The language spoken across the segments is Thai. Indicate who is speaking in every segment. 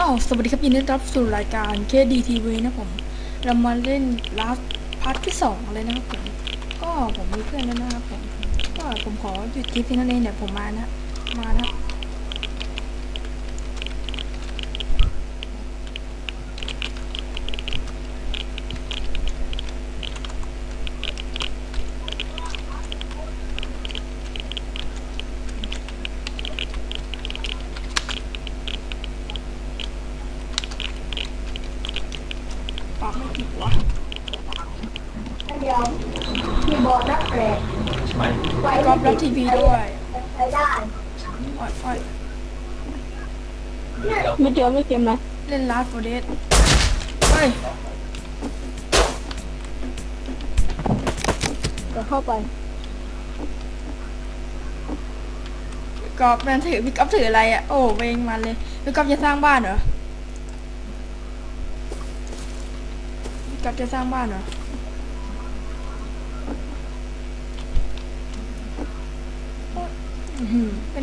Speaker 1: สวัสดีครับยินดีต้อนรับสู่รายการ KDTV นะผมเรามาเล่นลาสพาร์ทที่2เลยนะครับผมก็ผมมีเพื่อนแล้วนะครับผมก็ผมขอหยุดคลิปเพียงเท่านี้เดี๋ยวผมมานะปากไม่ติดวะ
Speaker 2: เดี๋ยวคีย์บอร์ดนักแตกไฟ
Speaker 1: กรอบรับทีวีด้วย
Speaker 2: ใช้ได้
Speaker 1: อ้อย
Speaker 3: ไม่เจอไม่เกมนะ
Speaker 1: เล่นลาสโฟเดสเฮ้ย
Speaker 3: จะเข้าไป
Speaker 1: กรอบมันถือพี่ก๊อฟถืออะไรอ่ะโอ้เวงมันเลยพี่ก๊อฟจะสร้างบ้านเหรอพี่ก๊อฟจะสร้างบ้านเหรอเป็น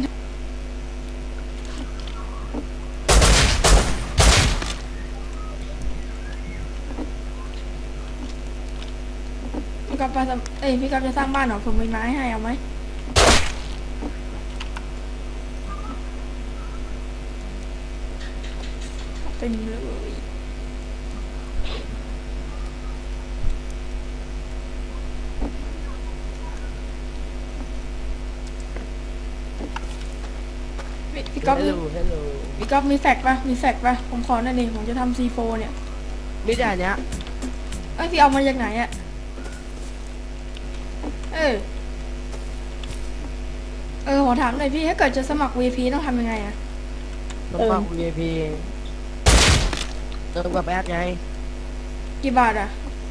Speaker 1: พี่ก๊อฟพี่ก๊อฟจะสร้างบ้านเหรอผมมีไม้ให้เอาไหมเต็มเลยพี่ก๊อฟ
Speaker 3: ฮัลโหล
Speaker 1: พี่ก๊อฟมีแฟกป่ะผมขอหน่อยนี่ผมจะทำ C4 เนี่ย
Speaker 3: มีแต่เนี้ย
Speaker 1: เอ้ยพี่เอามาจากไหนอะขอถามหน่อยพี่ถ้าเกิดจะสมัคร VP ต้องทำยังไงอะ
Speaker 3: ต้องฟัง VIP เติมกับแอดไง
Speaker 1: กี่บาทอะ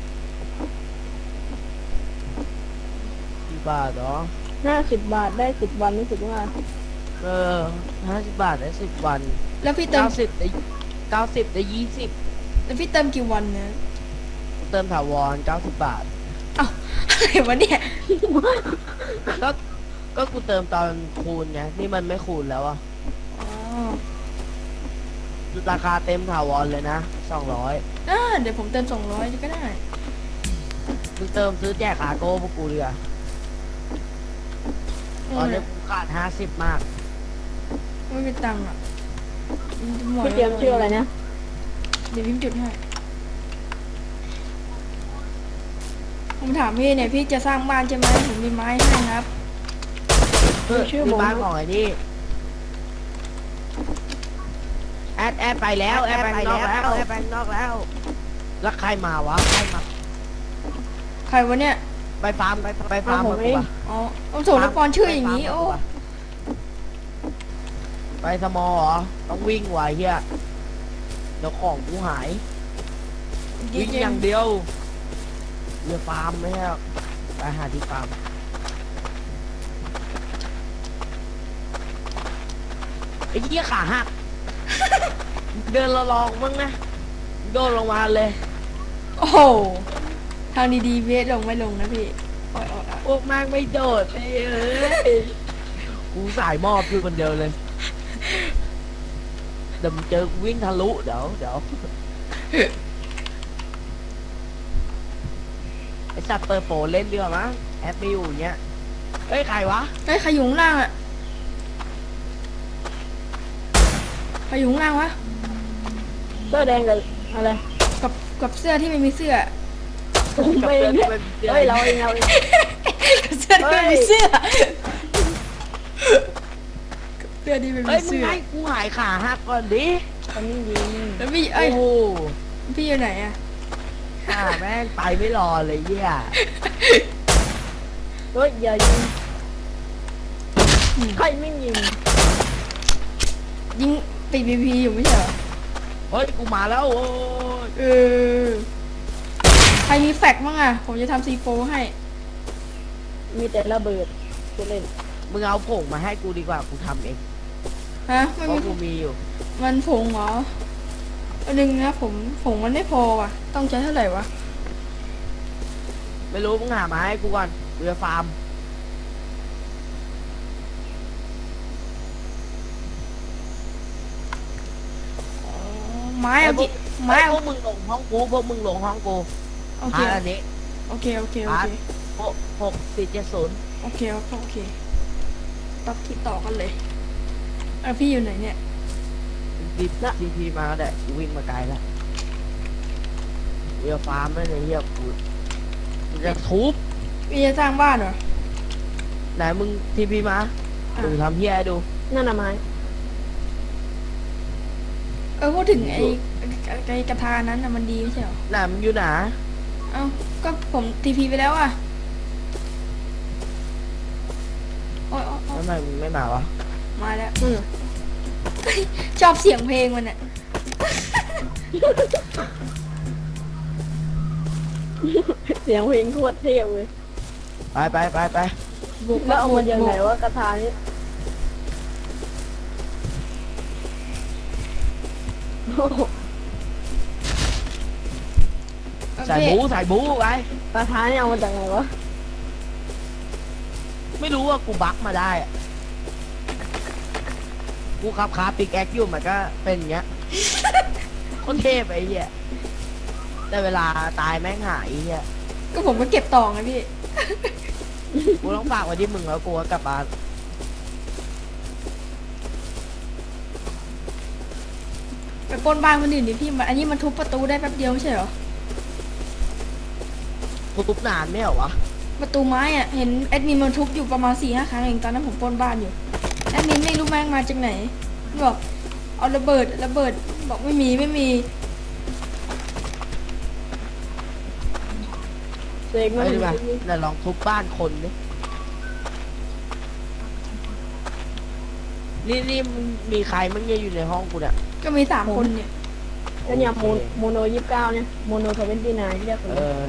Speaker 3: กี่บาทเหรอ
Speaker 4: 50 บาทได้10 วันรู้สึกว่า
Speaker 3: 50 บาทได้10 วัน
Speaker 1: แล้วพี่เติม
Speaker 3: 90ได้90ได้20
Speaker 1: แล้วพี่เติมกี่วันเนี่ย
Speaker 3: เติมถาวร90 บาท
Speaker 1: อ้าวอะไรวะเนี่ย
Speaker 3: ก็ก็กูเติมตอนคูณไงนี่มันไม่คูณแล้วอะ
Speaker 1: อ๋อ
Speaker 3: ราคาเต็มถาวรเลยนะ200
Speaker 1: เดี๋ยวผมเติม200ก็ได้
Speaker 3: มึงเติมซื้อแจกคาโก้พวกกูดีกว่าตอนนี้กูขาด50มาก
Speaker 1: ไม่มีตังค์อะหมด
Speaker 4: พี่เกมชื่ออะไรนะ
Speaker 1: เดี๋ยวพิมพ์จุดให้ผมถามพี่เนี่ยพี่จะสร้างบ้านใช่ไหมผมมีไม้ให้ครับ
Speaker 4: ชื่อ
Speaker 3: มี
Speaker 4: ผม
Speaker 3: บ้านของไอ้นี่แอดไปแล้วแอดไปนอกแล้วแอดไปนอกแล้วแล้วใครมาวะใครมา
Speaker 1: ใครวะเนี่ย
Speaker 3: ไปฟาร์มไปฟาร์มมากูปะ
Speaker 1: อ๋อเอาโถละกรชื่ออย่างนี้โอ้
Speaker 3: ไปสมอเหรอต้องวิ่งไวะเฮียเดี๋ยวของกูหายวิ่งอย่างเดียวเรือฟาร์มไม่ใช่หรอกไปหาที่ฟาร์มไอ้เหี้ยขาหัก เดินละลองมั้งนะโดนลงมาเลย
Speaker 1: โอ้โหทางดีๆเวทลงไม่ลงนะพี่โอ้ย
Speaker 3: พวกแม่งไม่โดดเอ้ยกูสายมอบอยู่คนเดียวเลยเดี๋ยวมึงเจอกูวิ่งทะลุเดี๋ยวไอสัตว์เปิดโปรเล่นเรือมั้งแอปไม่อยู่อย่างเงี้ยเอ้ยใครวะ
Speaker 1: เฮ้ยใครอยู่ข้างล่างอะใครอยู่ข้างล่างวะ
Speaker 4: เสื้อแดงกับอะไร
Speaker 1: กับเสื้อที่ไม่มีเสื้อ
Speaker 4: ไม่
Speaker 3: กับ
Speaker 4: เฮ้
Speaker 3: เพื่อนที่เป็นเพื่อน
Speaker 4: ยเราเอง
Speaker 1: กับเสื้อที่ไม่มีเสื้อกับเสื้อที่ไม่
Speaker 3: เฮ้
Speaker 1: มี
Speaker 3: ยมึง
Speaker 1: เสื้อ
Speaker 3: ให้กูหายขาหักก่อนดิ
Speaker 4: ตอนนี้ยิง
Speaker 1: แล้วพี่
Speaker 3: โอ้โห
Speaker 1: พี่อยู่ไหนอะ
Speaker 3: แม่งไปไม่รอเลยเหี้ย
Speaker 4: เฮ้ยอย่ายิงใครไม่ยิง
Speaker 1: ยิงติดพีอยู่ไม่ใช่เหรอ
Speaker 3: เฮ้ยกูมาแล้วโอ้ย
Speaker 1: ใครมีแฟกบ้างอะผมจะทำ C4 ให้
Speaker 4: มีแต่ระเบิดจะเล่น
Speaker 3: มึงเอาผงมาให้กูดีกว่ากูทำเอง
Speaker 1: ฮะ
Speaker 3: เพ
Speaker 1: ไม่
Speaker 3: ราะ
Speaker 1: มี
Speaker 3: กูมีอยู่
Speaker 1: มันผงเหรออันนึงนะผงมันไม่พอว่ะต้องใช้เท่าไหร่วะ
Speaker 3: ไม่รู้มึงหามาให้กูก่อนกูจะฟาร์ม
Speaker 1: ไม้เอาจิไม้
Speaker 3: พ
Speaker 1: เอา
Speaker 3: วกมึงลงห้องกูพวกมึงลงห้องกู
Speaker 1: โอเค
Speaker 3: อันนี้
Speaker 1: โอเคโอเคโอเค
Speaker 3: 6470
Speaker 1: โอเคโอเคตัดที่ต่อกันเลยพี่อยู่ไหนเนี่ย
Speaker 3: ดิบซีพีมาก็ได้กูวิ่งมาไกลแล้วเรือฟาร์มไม่ในเฮียกูจะทุบ
Speaker 1: พี่จะสร้างบ้านเหรอ
Speaker 3: ไหนมึงทีพีมา
Speaker 1: อ่ะ
Speaker 3: ดูทำเฮียให้ดู
Speaker 4: นั่นน่ะไม้
Speaker 1: พูดถึงไอ้กระทานั้นน่ะมันดีไม่ใช่เหรอ
Speaker 3: ไหนมึงอยู่ไหน
Speaker 1: เอ้าก็ผมทีพีไปแล้วอ่ะโอ้ย
Speaker 3: ทำไมมึงไม่มาวะ
Speaker 1: มาแล้ว
Speaker 4: อืม
Speaker 1: ชอบเสียงเพลงมันอ่ะ
Speaker 4: เสียงเพลงโคตรเท่เลย
Speaker 3: ไป
Speaker 1: บุก
Speaker 4: แล้วเอามาจากไหนว่ากระทานี้โอ้โห
Speaker 3: ใส่บูไป
Speaker 4: กระทานี่เอามาจากไหนวะ
Speaker 3: ไม่รู้ว่ากูบักมาได้อะกูขับคาปิกแอคอยู่มันก็เป็นอย่างเงี้ย คนเทพไอ้เหี้ยแต่เวลาตายแม่งหายไอ้เหี้ย
Speaker 1: ก็ผมก็เก็บต่อไงพี่
Speaker 3: กูต้องฝากไว้ที่มึงแล้วกูก็กลับบ้าน
Speaker 1: ไปปล้นบ้านคนอื่นดิพี่มันอันนี้มันทุบประตูได้แป๊บเดียวไม่ใช่เหรอ
Speaker 3: กูทุบนานไม่เหรอวะ
Speaker 1: ประตูไม้อ่ะเห็นแอดมินมันทุบอยู่ประมาณ4-5 ครั้งเองตอนนั้นผมปล้นบ้านอยู่แอดมินไม่รู้แม่งมาจากไหนบอกเอาระเบิดบอกไม่มี
Speaker 4: เสก
Speaker 3: ไป
Speaker 4: มา
Speaker 3: ดีกว่าเดี๋ยวลองทุบบ้านคนดินี่มึงมีใครมึงเนี่ยอยู่ในห้องกูเนี่ย
Speaker 1: ก็มี3 คนเนี่ย
Speaker 4: แล้วเนี่ยโมโน29เนี่ยโมโน29เรียกคน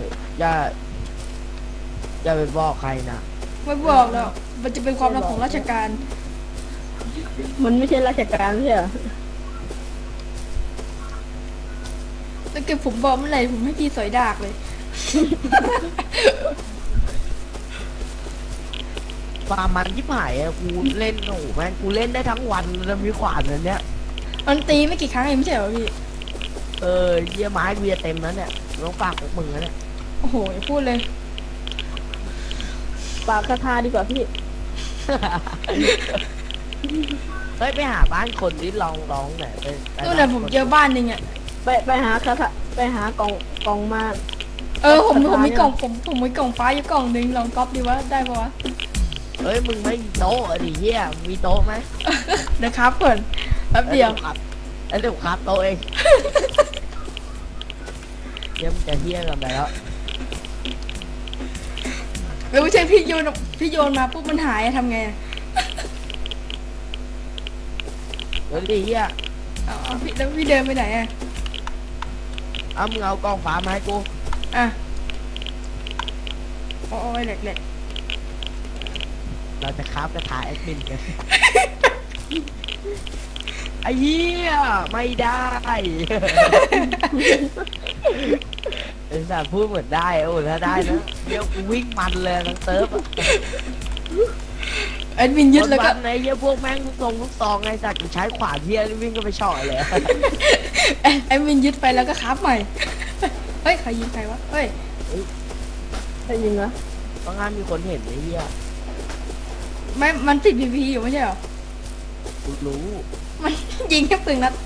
Speaker 3: อย่าไปบอกใครนะ
Speaker 1: ไม่บอกแล้วมันจะเป็นความลับของราชการ
Speaker 4: มันไม่ใช่ราชการใช่เหรอ
Speaker 1: ถ้าเกิดผมบอกเมื่อไหร่ผมให้พี่สอยดากเลย
Speaker 3: ฟาร์มมันยิบหายอะกูเล่นโอ้โหแม่งกูเล่นได้ทั้งวันแล้วมีขวานอันเนี้ย
Speaker 1: มันตีไม่กี่ครั้งเองไม่ใช่เหรอพี่
Speaker 3: เยี่ยไม้เบียร์เต็มแล้วเนี่ยต้องฝากพวกมึงแล้วเนี่ย
Speaker 1: โอ้โหอย่าพูดเลย
Speaker 4: ปากกระทาดีกว่าพี่
Speaker 3: เฮ้ยไปหาบ้านคนที่ลองไหนไป
Speaker 1: นู่นน่ะผมเจอบ้านหนึ่งอ่ะ
Speaker 4: ไปหากระทะไปหากล่องมา
Speaker 1: ผมมีกล่องผมมีกล่องฟ้าอยู่กล่องหนึ่งลองก๊อปดีวะได้ปะวะ
Speaker 3: เฮ้ยมึงไม่มีโต๊ะอะดิเฮียมีโต๊ะไหม
Speaker 1: เดี๋ยวครับก่อนแป๊บเดียว
Speaker 3: ครับแล้วเดี๋ยวครับโต๊ะเองเดี๋ยวมึงจะเฮียกันไปแล้ว
Speaker 1: ไม่ใช่พี่โยนมาปุ๊บมันหายอะทำไงอะ
Speaker 3: เดี๋ยวดิเฮีย
Speaker 1: เอาพี่แล้วพี่เดินไปไหนอ่ะ
Speaker 3: เอามึงเอากล้องฟ้ามาให้กู
Speaker 1: อ่ะโอ้ยแหลก
Speaker 3: เราจะคราฟกระถายแอดมินกัน ไอ้เหี้ยไม่ได้ ไอ้สัตว์พูดเหมือนได้โอ้ถ้าได้นะเดี๋ยวกูวิ่งมันเลยทั้งเซิร์ฟอะ
Speaker 1: แอดมินยึดแล้วก็
Speaker 3: วันๆไอ้เหี้ยพวกแม่งลูกซองไอ้สัตว์กูใช้ขวานเหี้ยวิ่งก็ไปเฉาะเลย
Speaker 1: แอดมินยึดไปแล้วก็ครับใหม่ เฮ้ยใครยิงใครวะเฮ้ย
Speaker 4: ใช่ยิงเหรอ
Speaker 3: ต้องงานมีคนเห็นไอ้เหี้ย
Speaker 1: ไม่มันติดพีพีอยู่ไม่ใช่เหรอ
Speaker 3: กูรู้
Speaker 1: มัน ยิงแค่ปืนนัด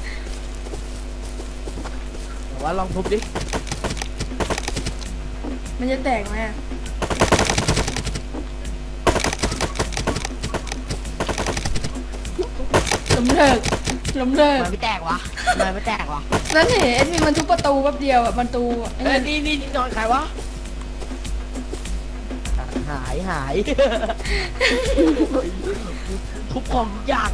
Speaker 3: แต่ว่าลองทุบดิ
Speaker 1: มันจะแตกไหมอะล้มเลิก
Speaker 3: มันไม่แตกวะมันไม่แตกวะ
Speaker 1: นั่นเห็นแอดมินมันทุบประตูแป๊บเดียวอะประตูไอ้
Speaker 3: เอ้ย
Speaker 1: นี่
Speaker 3: นี่นอนใครวะหาย ทุบของทุกอย่าง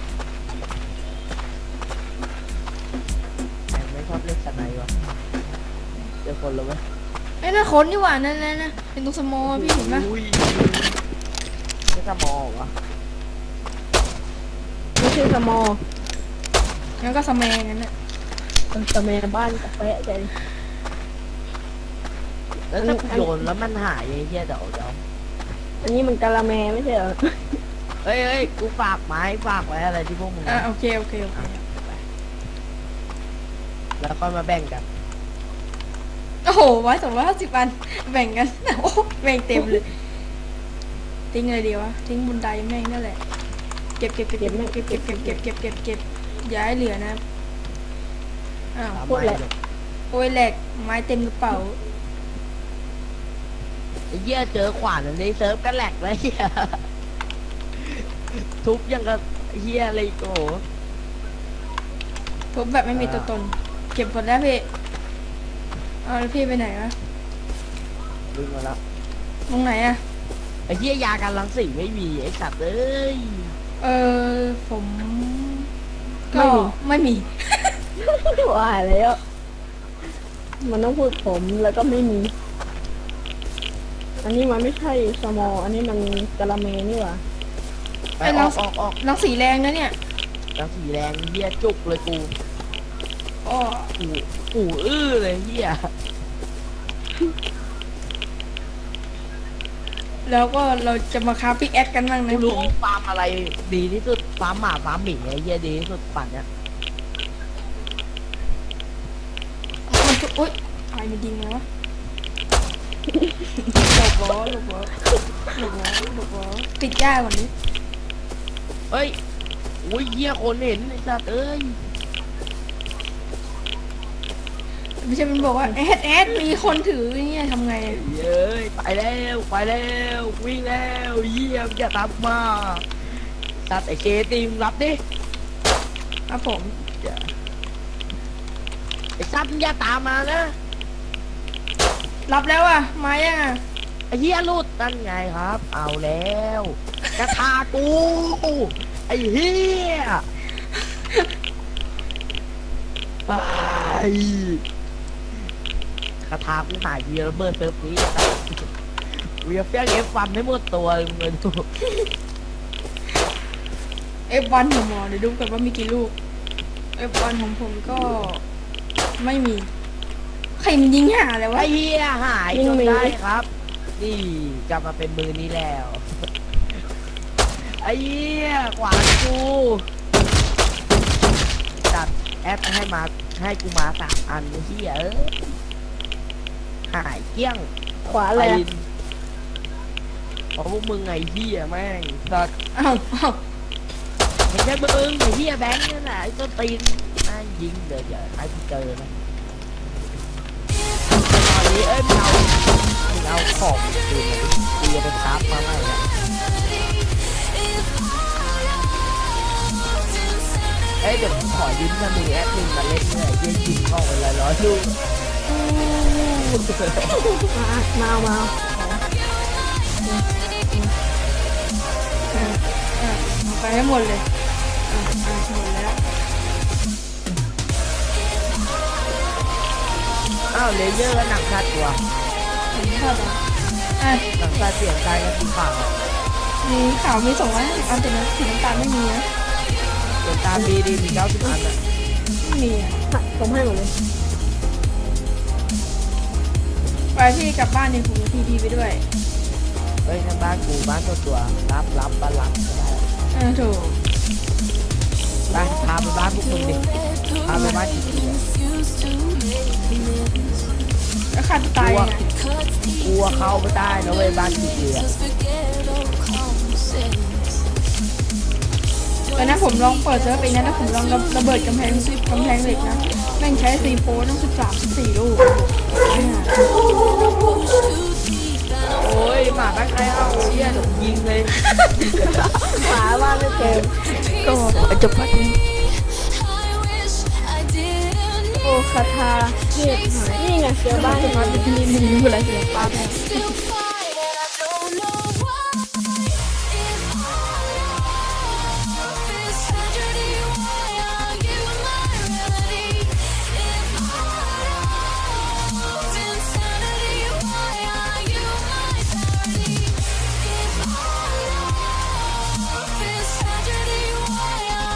Speaker 3: แม่งไม่ชอบเล่นสไนด์วะเจอคนแล้วไหม
Speaker 1: ไอ้น่าคนนี่หว่านั่นนะเป็นตรงสมอลพี่เห็นปะ
Speaker 3: อุ้ยไม่สมองวะ
Speaker 4: ไม่ใช่สมอ
Speaker 1: งั้นก็สแมงงั้นน่ะ
Speaker 4: สมัยบ้านกาแฟใจ
Speaker 3: แล้วถ้ากูโยนแล้วมันหายไอ้เหี้ยเดี๋ยว
Speaker 4: อันนี้มันกะละแมไม่ใช่เหรอ
Speaker 3: เฮ้ยกูฝากไม้ฝากไว้อะไรที่พวกมึง
Speaker 1: อ่ะโอเค
Speaker 3: แล้วก็มาแบ่งกัน
Speaker 1: โอ้โห250 อันแบ่งกัน โอ้แบ่งเต็มเลยทิ้งเลยดีวะทิ้งบนไดแม่งนั่นแหละเก็บอย่าให้เหลือนะอ้าว
Speaker 3: ตาม
Speaker 4: พูด
Speaker 3: ไป
Speaker 4: แหละ
Speaker 1: โอ้ยแหลกไม้เต็มกระเป๋า
Speaker 3: ไอ้เหี้ยเจอขวานอันนี้เซิร์ฟก็แหลกแล้วเหี้ยทุบยังกับเหี้ยอะไรโก
Speaker 1: ทุบแบบไม่มีตัวตน เก็บหมดแล้วพี่เอาแล้วพี่ไปไหนวะ
Speaker 3: ดึงมาแล้ว
Speaker 1: ตรงไหนอะ
Speaker 3: ไอ้เหี้ยยากันรังสีไม่มีไอ้สัตว์เอ้ย
Speaker 1: เออผมก็ไม่มี
Speaker 4: ว่าแล้ว มันต้องพูดผมแล้วก็ไม่มี อันนี้มันไม่ใช่สมอ อันนี้มันกะละเมนี่หว่า
Speaker 3: ไป
Speaker 1: ไอ้
Speaker 3: อ
Speaker 1: รั
Speaker 3: อง กออกออก
Speaker 1: รังสีแรงนะเนี่ย
Speaker 3: รังสีแรงเหี้ยจุกเลยกู
Speaker 1: อ้อ
Speaker 3: กูอื้อเลยเหี้ย
Speaker 1: แล้วก็เราจะมาคราฟพิกแอคกันบ้าง
Speaker 3: กู
Speaker 1: นะผ
Speaker 3: รู้
Speaker 1: ม
Speaker 3: ฟาร์มอะไรดีที่สุดฟาร์มหมาฟาร์มหมีไอ้เหี้ยดีที่สุดปั่นเนี่ย
Speaker 1: มันจะอุ๊ยอะไรมันยิงมาวะหลบล้อปิดย่าก่อนดิ
Speaker 3: เฮ้ยอุ้ยเหี้ยคนเห็นไอ้สัตว์เอ้ย
Speaker 1: ไม่ใช่มันบอกว่าแอดมีคนถือเนี่ยทำไงอะ
Speaker 3: เย้ยไปแล้ววิ่งแล้วเยี่ยมอย่าตามมาสัตว์ไอ้เคตีมรับดิ
Speaker 1: ครับผม
Speaker 3: ไอ้สัตว์มึงอย่าตามมานะ
Speaker 1: รับแล้วอ่ะมายังอ่ะ
Speaker 3: ไอ้เหี้ยรูดนั่นไงครับ เอาแล้วกระทากูไอ้เหี้ยไปกระทากูหายเวียระเบิดเซิร์ฟนี้เวียเฟี้ยงเอฟฟันให้หมดตัวมึงเลยดู
Speaker 1: F1 ของหมอเดี๋ยวดูกันว่ามีกี่ลูก F1 ของผมก็ไม่มีใครมันยิงหาอะไรวะ
Speaker 3: ไอ้เหี้ยหายจนได้ครับ นี่กลับมาเป็นมือนี้แล้ว ไอ้เหี้ยขวานกูจัดแอปให้กูมา3 อันไอ้เหี้ยเอ้ยหายเกลี้ยง
Speaker 4: ขวาแหละ
Speaker 3: ไปเพราะพวกมึงไงเหี้ยแม่งสัตว์
Speaker 1: อ้าว
Speaker 3: ไม่ใช่มึงไอ้เหี้ยแบงค์นั่นแหละไอ้ต้นตีนแม่งยิงเดี๋ยวให้กูเจอนะตอนนี้มึงเอาของตีนมาดิตีไปคราฟมาให้นะเดี๋ยวผมขอยืมมา1 แอดมินมาเล่นเนี่ยยิงเข้าไป100 ลูก
Speaker 4: มาเอา
Speaker 1: เอาไปให้หมดเลยหมดแล้ว
Speaker 3: อ้าวเลเยอร์ก็หนักชัดกว่า
Speaker 1: ผมชอบอ่ะ
Speaker 3: หนังตาเสียงใจกันสีขาว
Speaker 1: มีข่าวมี250 อันแต่นะสีน้ำตาลไม่มีนะ
Speaker 3: เสียงตามีดีมี90 อันอ่ะ
Speaker 1: ไม่มีอ่ะ
Speaker 4: ผมให้หมดเลย
Speaker 1: ไปพี่กลับบ้านเนี่ยผมจะทีไปด้วย
Speaker 3: เฮ้ยนั่นบ้านกูบ้านตัวรับบ้านหลังก็ได้
Speaker 1: ถูก
Speaker 3: ไปพาไปบ้านพวกมึงดิพาไปบ้านจริง
Speaker 1: แล้วขาดตายยังไง
Speaker 3: ๆกลัวเข้าไม่ได้นะเว้ยบ้านจริงๆอ่ะ
Speaker 1: แต่นะผมลองเปิดเซิร์ฟไปนะแล้วผมลองระเบิดกำแพงเหล็กนะแม่งใช้ซีโฟต้อง13-14 ลูก
Speaker 3: โอ้ยหมาบ้านใครเอาเหี้ยยิงเลย
Speaker 4: ขวาว่าไม่เจอ
Speaker 1: ก็จบแล้ว
Speaker 4: โอคาทาเทพหายนี่ไงเจอบ้าน
Speaker 1: จบแล้วที่นี่มีอะไรเสียงป้าแม่